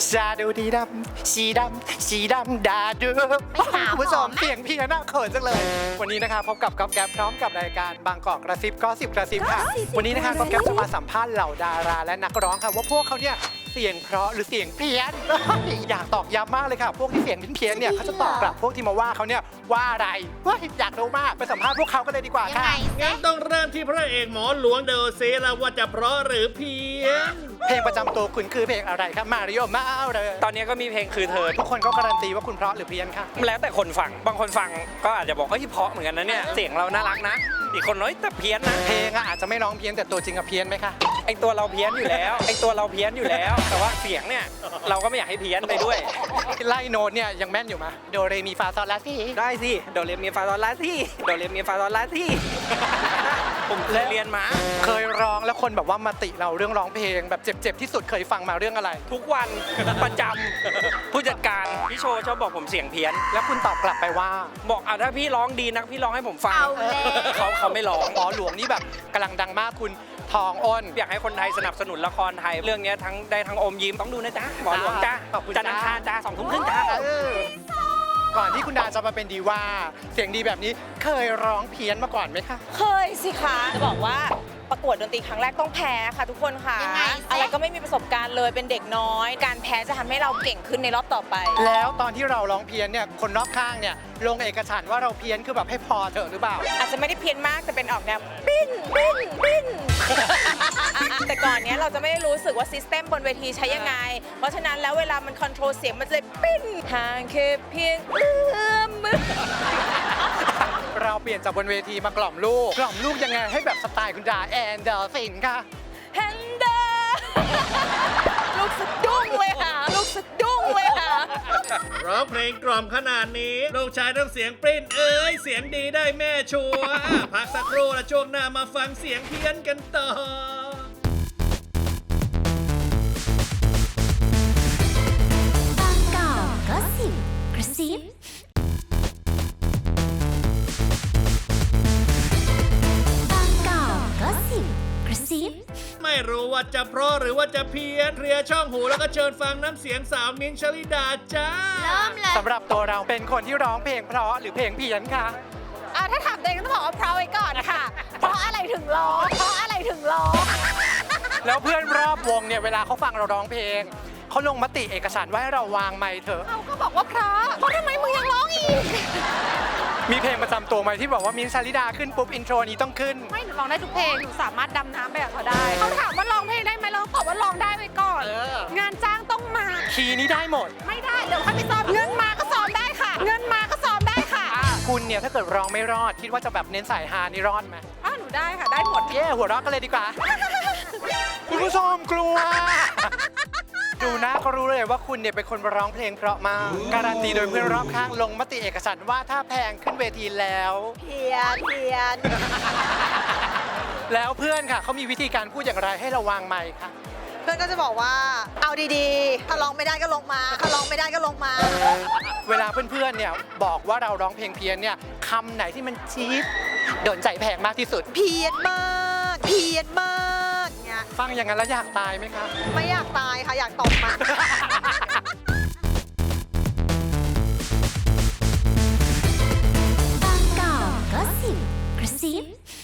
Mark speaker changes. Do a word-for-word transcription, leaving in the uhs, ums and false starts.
Speaker 1: ชาดูดีดำสีดำสีดำดาดูคุณผู้ชมเสียงเพี้ยนน่าเขินจังเลย วันนี้นะคะพบกับก๊อฟแก๊ปพร้อมกับรายการบางกอกกระซิบก็สิบกระซิบค่ะวันนี้นะคะก๊อฟแก๊ปจะมาสัมภาษณ์เหล่าดาราและนักร้องค่ะว่าพวกเขาเนี่ยเสียงเพราะหรือเสียงเพี้ยน อยากตอกย้ำมากเลยค่ะพวกที่เสียงเพี้ยนเนี่ยเขาจะตอบกลับพวกที่มาว่าเขาเนี่ยว่าอะไรเฮ้ยอยากรู้มากไปสัมภาษณ์พวกเขากันเลยดีกว่าค่ะ
Speaker 2: งั้นต้องเริ่มที่พระเอกหมอหลวงเดอเซแล้วว่าจะเพราะหรือเพี้ยน
Speaker 1: เพลงประจำตัวคุณคือเพลงอะไรครับมาริโอมาเอาเลย
Speaker 3: ตอนนี้ก็มีเพลงคือเธอ
Speaker 1: ทุกคนก็การันตีว่าคุณเพราะหรือเพี้ยนค่ะ
Speaker 3: แล้วแต่คนฟังบางคนฟังก็อาจจะบอกเฮ้ยเพราะเหมือนกันนะเนี่ยเสียงเราน่ารักนะอีกคนน้อยแต่เพี้ยนนะ
Speaker 1: เพลงอะอาจจะไม่ร้องเพี้ยนแต่ตัวจริงอะเพี้ยนไหมคะ
Speaker 3: ไอตัวเราเพี้ยนอยู่แล้วไอตัวเราเพี้ยนอยู่แล้ว แต่ว่าเสียงเนี่ยเราก็ไม่อยากให้เพี้ยนไปด้วย
Speaker 1: ไล่โน้ตเนี่ยยังแม่นอยู่ไหมโดเรมีฟาซอลลาซี
Speaker 3: ได้สิโดเรมีฟาซอลลาที่โดเรมีฟาซอลลาที่ ผมเคยเรียนมา
Speaker 1: เคยร้องแล้วคนแบบว่ามาติเราเรื่องร้องเพลงแบบเจ็บๆที่สุดเคยฟังมาเรื่องอะไร
Speaker 3: ทุกวันประจำผู้จัดการพี่โชว์ชอบบอกผมเสียงเพี้ยน
Speaker 1: แล้วคุณตอบกลับไปว่า
Speaker 3: บอกอ่ะถ้าพี่ร้องดีนักพี่ร้องให้ผมฟัง
Speaker 4: เอาแล้ว
Speaker 3: เขาเขาไม่ร้อง
Speaker 1: หมอหลวงนี่แบบกำลังดังมากคุณทองอ้น
Speaker 3: อยากให้คนไทยสนับสนุนละครไทยเรื่องนี้ทั้งได้ทั้งอมยิ้มต้องดูนะจ๊ะหมอหลวงจ้า
Speaker 1: ขอบคุณ
Speaker 3: จันทร์อังคารจ้าสองทุ่มครึ่งจ้า
Speaker 1: เออก่อนที่คุณดาจะมาเป็นดีว่าเสียงดีแบบนี้เคยร้องเพี้ยนมาก่อนไหมคะ
Speaker 4: เคยสิคะจะบอกว่าประกวดดนตรีครั้งแรกต้องแพ้ค่ะทุกคนค่ะ
Speaker 5: ยังไงสิ
Speaker 4: อะไรก็ไม่มีประสบการณ์เลยเป็นเด็กน้อย การแพ้จะทำให้เราเก่งขึ้นในรอบต่อไป
Speaker 1: แล้วตอนที่เราร้องเพี้ยนเนี่ยคนรอบข้างเนี่ยลงเอกฉันท์ว่าเราเพี้ยนคือแบบให้พอเถอะหรือเปล่า
Speaker 4: อาจจะไม่ได้เพี้ยนมากแต่เป็นออกแนวปิ้นปิ้นปิ้น แต่ก่อนเนี้ยเราจะไม่ได้รู้สึกว่าซิสเต็มบนเวทีใช้ยังไง เพราะฉะนั้นแล้วเวลามันคอนโทรลเสียงมันจะเลยปิ้นห่างแค่เพียงเอื้อมมือ
Speaker 1: เราเปลี่ยนจากบนเวทีมากล่อมลูก กล่อมลูกยังไงให้แบบสไตล์คุณดาแอนเดอร์สินค่ะ
Speaker 4: แฮนเดอร์ลูกสะดุ้งเลยค่ะ ลูกสะดุ้งเลยค่ะ
Speaker 2: ร้องเพลงกล่อมขนาดนี้ลูกชายต้องเสียงปริ้นเอ้ยเสียงดีได้แม่ชัวร์พักสักครู่และช่วงหน้ามาฟังเสียงเพี้ยนกันต่อ
Speaker 5: บางกอกก็สิบกระซิบางกอกก็สิบกระซิบ
Speaker 2: ไม่รู้ว่าจะเพราะหรือว่าจะเพี้ยนเคลียร์ช่องหูแล้วก็เชิญฟังน้ำเสียงสาวมิ้นท์ชลิดาจ้า
Speaker 5: เริ่มเลย
Speaker 1: สำหรับตัวเราเป็นคนที่ร้องเพลงเพราะหรือเพลงเพี้ยนค่ะ
Speaker 4: อ่าถ้าถามตัวเองก็ต้องบอกว่าเพราะไว้ก่อนนะคะ เพราะอะไรถึงร้อง เพราะอะไรถึงร้อง
Speaker 1: แล้วเพื่อนรอบวงเนี่ยเวลาเขาฟังเราร้องเพลงเขาลงมติเอกฉันท์ว่าให้เราวางไมค์เถอะ
Speaker 4: เขาก็บอกว่าเพราะเพราะทำไมมึงยังร้องอีก
Speaker 1: มีเพลงประจำตัวไหมที่บอกว่ามิ้นท์ชลิดาขึ้นปุ๊บอินโทรนี้ต้องขึ้น
Speaker 4: ไม่หนูร้องได้ทุกเพลง หนูสามารถดำน้ำไปกับเขาได้ เขาถามว่าร้องเพลงได้ไหมเราตอบว่าร้องได้ไว้ก่อน
Speaker 1: เออ
Speaker 4: งานจ้างต้องมา
Speaker 1: คีย์นี้ได้หมด
Speaker 4: ไม่ได้ เดี๋ยวค่อยไปซ้อม เงินมาก็ซ้อมได้ค่ะ เงินมาก็ซ้อมได้ค่ะ
Speaker 1: คุณเนี่ยถ้าเกิดร้องไม่รอด คิดว่าจะแบบเน้นสายฮานี่รอดไหม
Speaker 4: อ้าวหนูได้ค่ะ ได้หมด
Speaker 1: เย้หัวเราะกันเลยดีกว่า คุณผู้ชมกลัว ดูนะก็รู้เลยว่าคุณเนี่ยเป็นคนร้องเพลงเพราะมาก การันตีโดยเพื่อนรอบข้างลงมติเอกฉันท์ว่าถ้าแพงขึ้นเวทีแล้ว
Speaker 4: เพียนเพียน
Speaker 1: แล้วเพื่อนค่ะเขามีวิธีการพูดอย่างไรให้เราวางไมค์ค่ะ
Speaker 6: เพื่อนก็จะบอกว่าเอาดีๆ ถ้าร้องไม่ได้ก็ลงมา ถ้าร้องไม่ได้ก็ลงมา
Speaker 1: เวลาเพื่อนๆเนี่ยบอกว่าเราร้องเพลงเพี้ยนเนี่ยคำไหนที่มันจี๊ดโดนใจแพงมากที่สุด
Speaker 6: เพี้ยนมาก เพี้ยนมากเนี่ย
Speaker 1: ฟังอย่างนั้นแล้วอยากตายไหมคะ
Speaker 6: ไม่อยากตายค่ะ อยากตบมัน
Speaker 5: บางกอกก็สิบกระซิบ